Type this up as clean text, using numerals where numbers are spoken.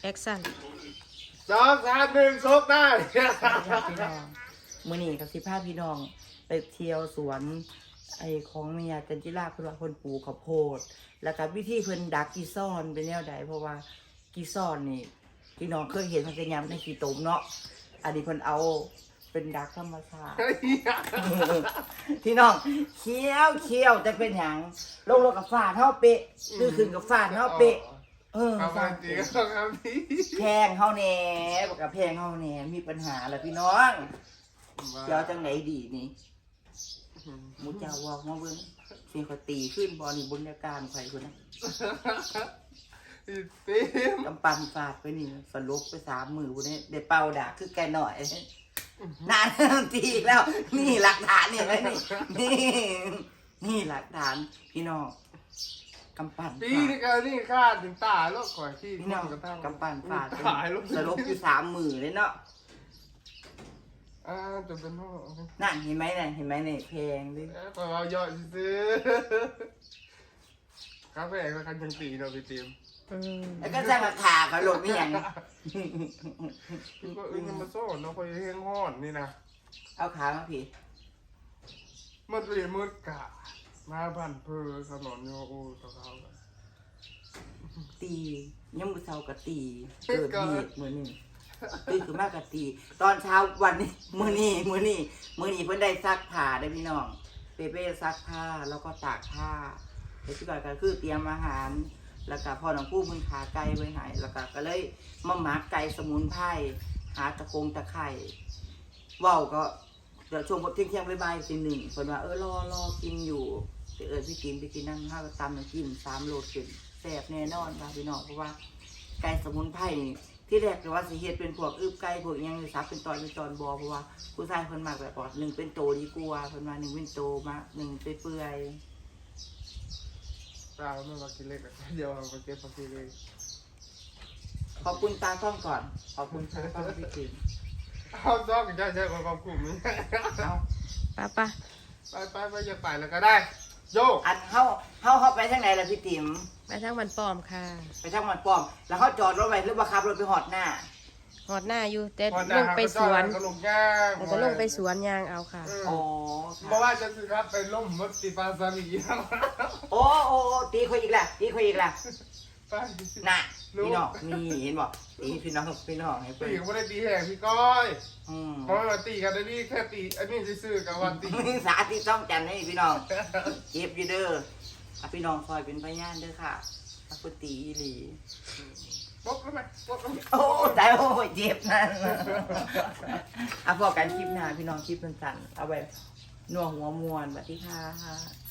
แอคชั่น 2 3 1 ชกได้พี่น้องมื้อนี้กับ15พี่น้องไปเที่ยวสวนไอ้ของแม่ยาจันจิราเพิ่นว่าเพิ่นปลูกข้าวโพดแล้วก็วิธีเพิ่นดักกีซ่อนเป็นแนวใดเพราะว่ากีซ่อนนี่พี่น้องเคยเห็นมันเป็นยามในขี้ตมเนาะอันนี้เพิ่นเอาเป็นดักธรรมชาติ พี่น้องเคี้ยวจะเป็นหยังลงกับฟาดเฮาเปะคือขึ้นกับฟาดเฮาเปะเอาไปตีก็ต้องเอาดีแพงเฮาแหน่บอกกับแพงเฮาแหน่มีปัญหาแล้วพี่น้องเดี๋ยวจังไหนดีนี่หมูเจ้าว่ามาเบิ่งเสียงเขาตีขึ้นบอนี่บนอาการข่อยคนนะตีกำปั้นฟาดไปนี่สลบไป3 มือพุ่นนี้ได้เป่าด่าคือแกหน่อยนานตีอีกแล้ว นี่หลักฐานเนี่ยเลยนี่หลักฐานพี่น้องกำปั้นตีนี่ก็นี่ฆ่าถึงตายแล้วก่อนที่พี่น้องกระทั่งกำปั้นฟาดตายแล้วสลบอยู่3 มือเลยเนาะจะเป็นห้องนั่นเห็นไหมเนี่ยเห็นไหมเนี่ยแพงดิพอเราย่อยซื้อคาเฟ่ก็คันยังตีเราไปเตรียมแล้วก็สร้างราคาเขาหลดไม่ยังคือก็ยังมาโซ่เนาะคอยเฮงห้อนนี่นะเอาขามาพี่มันเปลี่ยนมืดกะมาพันเพอถนนโยโอ้ตะเขาตียังมือเช้ากับตีเกิดเหตุมือนี่ตีคือมากกับตี ตอนเช้าวันนี้มือนี่เพิ่นได้ซักผ้าได้พี่น้องเปเป้ซักผ้าแล้วก็ตากผ้าแต่ที่ก่อนก็คือเตรียมอาหาร แล้วก็พ่อน้องผู้เพิ่นขาไก่ไว้ให้แล้วก็เลยมาหมักไก่สมุนไพรหาตะไคร้ว่าวก็เดี๋ยวช่วงเที่ยงบ่ายๆตี 1เพิ่นว่ารอกินอยู่ไปพี่กินนั่นข้าวตำน้ำจิ้ม3 โลขึ้นแซ่บแน่นอนค่ะพี่น้องเพราะว่าไก่สมุนไพรที่แรกก็ว่าสิเฮ็ดเป็นพวกอึบไก่พวกยังซับเป็นตอนบ่เพราะว่าผู้ชายเพิ่นมักแบบว่า1เป็นโตดีกว่าเพิ่นว่า1เป็นโตมา1เปื่อยตาไม่มากินเล็กเดี๋ยวมาเก็บมากินเลยขอบคุณตาต้องก่อนขอบคุณตาต้องพี่กินเอาซ้อมกันใช่ความกลุ่มนี้เอาป้าไปอย่าไปแล้วก็ได้โยอันเฮาไปทางไหนล่ะพี่ติ๋มไปทางมันปลอมค่ะไปทางมันป้อมแล้วเขาจอดรถไว้หรือว่าขับรถไปหอดหน้าหอดหน้าอยู่แต่ลงไปสวนก็ลงย่างแล้วก็ลงไปสวนยางเอาค่ะอ๋อเพราะว่าจะสิครับไปล่มมดตีปลาซาลีโอ้ตีคุยอีกแล้วไปน่ะพี่น้องนี่เห็นบอกตีพี่น้องให้เพิ่ตีนก็ไม่ได้ตีแห่พี่ก้อย เพราะว่าตีกันได้นี่แค่ตีอันนี้ซื่อๆกับวันตีสาธิตต้องจันให้พี่น้องเจ็บอยู่เด้อพี่น้องคอยเป็นพยานเด้อค่ะถ้าคุณตีอีหลีปกแล้วไหมปกแล้วไหมโอ้แต่โอ้เจ็บนั่นพอกันคลิปหน้าพี่น้องคลิปสั้นๆเอาไว้นัวหัวมวนสวัสดีค่ะ